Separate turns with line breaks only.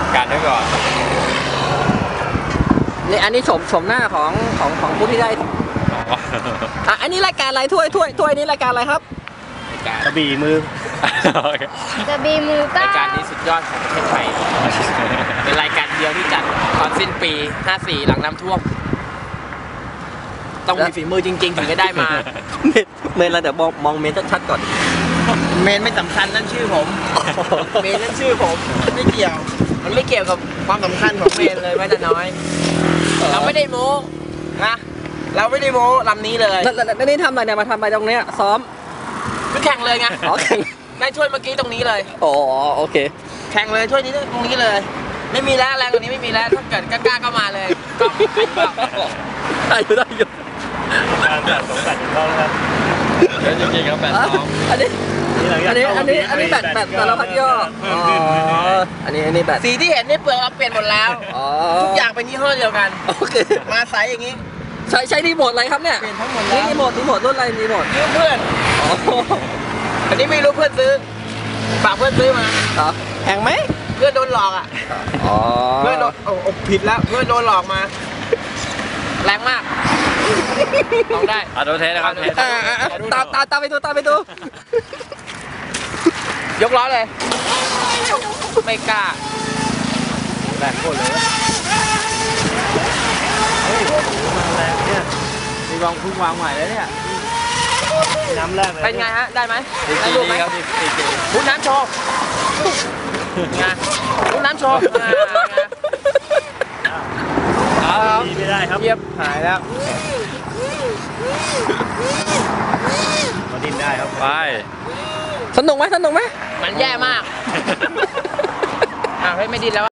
การไว้ก่อน
นี่อันนี้ชมหน้าของผู้ที่ได้อันนี้รายการอะไรถ้วยนี้รายการอะไรครับ
กระบี่มื
อกระบี่มือก็
รายการนี้สุดยอดของประเทศไทยเป็นรายการเดียวที่จัดตอนสิ้นปี54หลังน้ำท่วมต้องมีฝีมือจริงๆถึงจะได้มา
เมนเราเดี๋ยวมองเมนชัดๆก่อน
เมนไม่สำคัญนั่นชื่อผมเมนนั่นชื่อผมไม่เกี่ยวมันไม่เกี่ยวกับความสำคัญของเมนเลยแม้แต่น้อยเราไม่ได้โม้นะเราไม่ได้โม้ลำนี้เลย
แล้วนี่ทำอะไรเนี่ยมาทำอะไรตรงเนี้ยซ้อม
คือแข่งเลยไง
แข่ง
ได้ช่วยเมื่อกี้ตรงนี้เลย
อ๋อโอเค
แข่งเลยช่วยนี้ตรงนี้เลยไม่มีแล้วแรงกว่านี้ไม่มีแล้วถ้าเกิดกล้าก็มาเลยก็
ได้อยู่
การแบต2 แบตเข้าแล้วครับ
จริงๆครับ8-2
อันนี้แบตสารพัดย่ออันนี้แบต
สีที่เห็นนี่เปลือกเราเปลี่ยนหมดแล้วทุกอย่างเป็นยี่ห้อเดียวกัน
โอเค
มาใสอย่างนี้
ใช้รีโมทอะไรครับเนี่ย
เปลี่ยนทั้งหมดแล้ว
รีโมทรุ่นอะไรรีโมท
ยืมเพื่อนอันนี้ไม่รู้เพื่อนซื้อฝากเพื่อนซื้อมา
แพงไหม
เพื่อนโดนหลอกอ่ะเพื่อนโดนผิดแล้วเพื่อนโดนหลอกมาแรงมากลองได้
โดนเทนะครับ
ตามไปดู
ยกล้อเลยไม่กล้าแรงโคตรเลย
แรงเนี่ย
มีวางพุ่งวางใหม่เลยเนี่ย
น้ำแรกเลย
เป็นไงฮะได้ไหม
ได้ดูไหมครับ
พุ่งน้ำโชว์ไงพุ่งน้ำโชว์
ไม่ได้ครับ
เยียบหายแล้ว
มาดิ้นได้ครับ
ไปสนุกไหมมันแย่มาก
เฮ้ยไม่ดิ้นแล้ว